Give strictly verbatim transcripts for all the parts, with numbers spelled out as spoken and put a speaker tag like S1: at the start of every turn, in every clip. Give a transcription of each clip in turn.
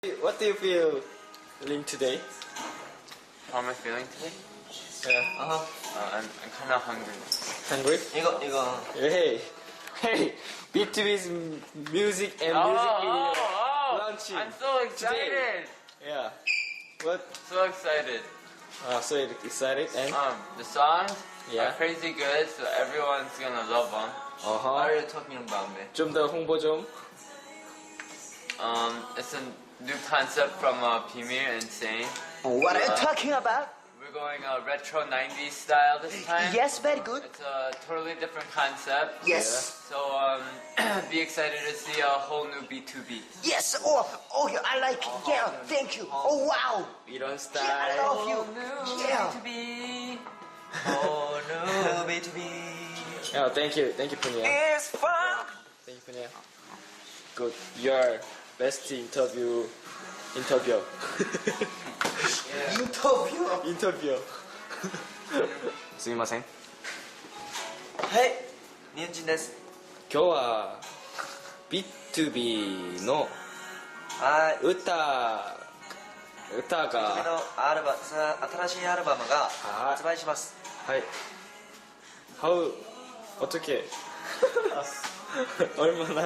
S1: What do you feel feeling today?
S2: How am I feeling today?
S1: Yeah.
S2: Uh-huh. Uh, I'm, I'm kind of hungry.
S1: Hungry?
S3: 이거 이거
S1: Hey, hey, B two B's music and
S2: oh,
S1: music video
S2: oh, oh.
S1: launching.
S2: I'm so excited.
S1: Yeah. What?
S2: So excited.
S1: Uh, so excited and
S2: Um, the songs
S1: Yeah.
S2: are crazy good, so everyone's gonna love them.
S1: uh-huh.
S3: What are you talking about, man?
S1: 좀 더 홍보 좀.
S2: Um, it's a new concept from uh, Pimir and Sane.
S3: What are you
S2: Uh,
S3: talking about?
S2: We're going uh, retro nineties style this time.
S3: Yes, very good.
S2: It's a totally different concept.
S3: Yes.
S2: So um, be excited to see a whole new B two B.
S3: Yes. Oh, oh, yeah, I like it. Yeah, thank you. Oh, wow.
S1: 이런
S3: Yeah, I
S1: 스타일.
S3: love you. Yeah.
S2: B two B.
S3: Oh no, B two B.
S1: Yeah, thank you, thank you, Punya.
S3: It's fun.
S1: Thank you, Punya. Good. Your best interview. Interview.
S3: 인터뷰.
S1: Interview. すみません。
S3: はい、ニュンジンです。
S1: 今日は B two B の
S3: はい。
S1: 歌歌
S3: B two B
S1: が
S3: のアルバさ新しいアルバムが
S1: はい
S3: 発売します。
S1: はい How 어떻게 얼마나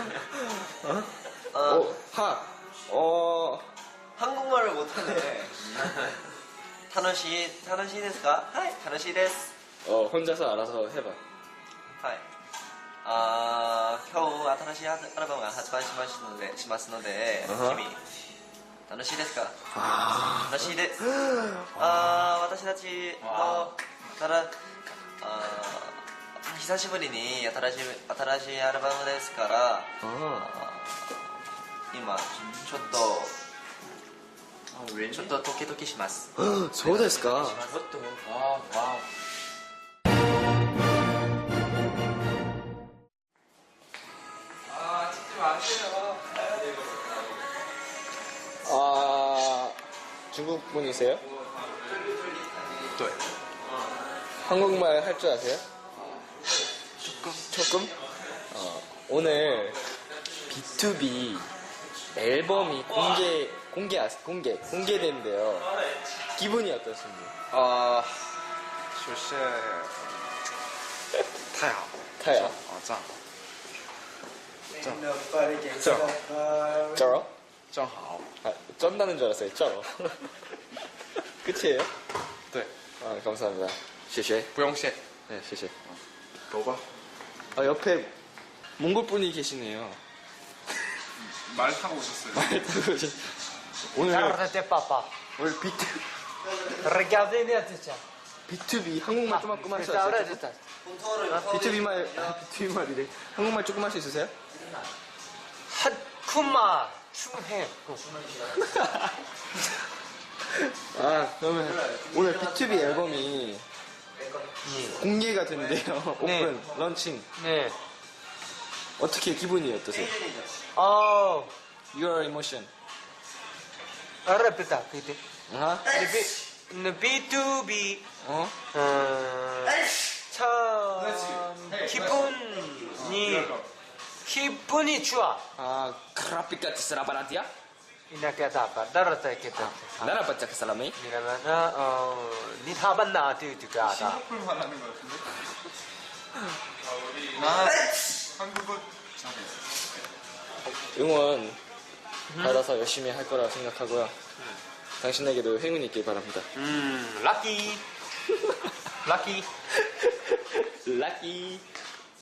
S3: 어,
S1: 오, 하 어,
S3: 한국말을 못하네. 楽しい楽しいですか？はい、楽しいです。
S1: 어 혼자서 알아서 해봐.
S3: はい。あー今日新しいアルバムが発売しますので、しますので、
S1: あは
S3: 君楽しいですか？
S1: あ
S3: 楽しいです。あー私たちもただあー久しぶりに新しい新しいアルバムですから、あー今ちょっとちょっとドキドキします。
S1: そうですか
S2: What the? Wow, wow.
S1: 아 중국 분이세요?
S2: 네.
S1: 한국말 할 줄 아세요? 조금 조금? 어, 오늘 B two B 앨범이 공개 공개 아- 공개 공개된대요. 기분이 어떠신지?
S4: 啊，就是太好，
S1: 타야.
S4: 好赞，
S1: 쩔어?
S4: 正好，
S1: 아, 쩐다는 줄 알았어요. 쩔어. 끝이에요?
S4: 对，
S1: 아, 감사합니다. 谢谢.
S4: 不用谢，
S1: 네, 谢谢.
S4: 走吧。
S1: 아, 옆에 몽골 분이 계시네요.
S4: 말 타고 오셨어요.
S1: 말 타고 오신- 오늘
S5: Regardez papa.
S1: 오늘 B two
S5: Regardez les attention.
S1: B two B 한국말 조금만 할 수
S5: C'est vrai,
S1: 있어요?
S5: c'est ça.
S1: B two B 말 아, B two B 말이래. 한국말 조금 할 수 있으세요?
S5: 하쿠마 충해.
S1: 아 그러면 오늘 B two B 앨범이 공개가 된대요. 오픈
S5: 네.
S1: 런칭.
S5: 네.
S1: 어떻게 기분이 어떠세요?
S5: 어,
S1: Your emotion.
S5: répéta, répéta.
S1: 아?
S5: Le B two B.
S1: 어?
S5: 어, 참 기분이 기분이 좋아.
S1: 아 크라피카티 스라바라티야?
S5: 이나게다가 나라다게다.
S1: 나라 바짝 사람이?
S5: 이러면은 어, 니 하반나 뒤뒤가다.
S4: 싱가포르 말하는 것 같은데? 나 한국어 잘해.
S1: 응원 받아서 열심히 할 거라고 생각하고요. 당신에게도 행운이 있길 바랍니다.
S5: 음, 럭키. 럭키.
S1: 락키.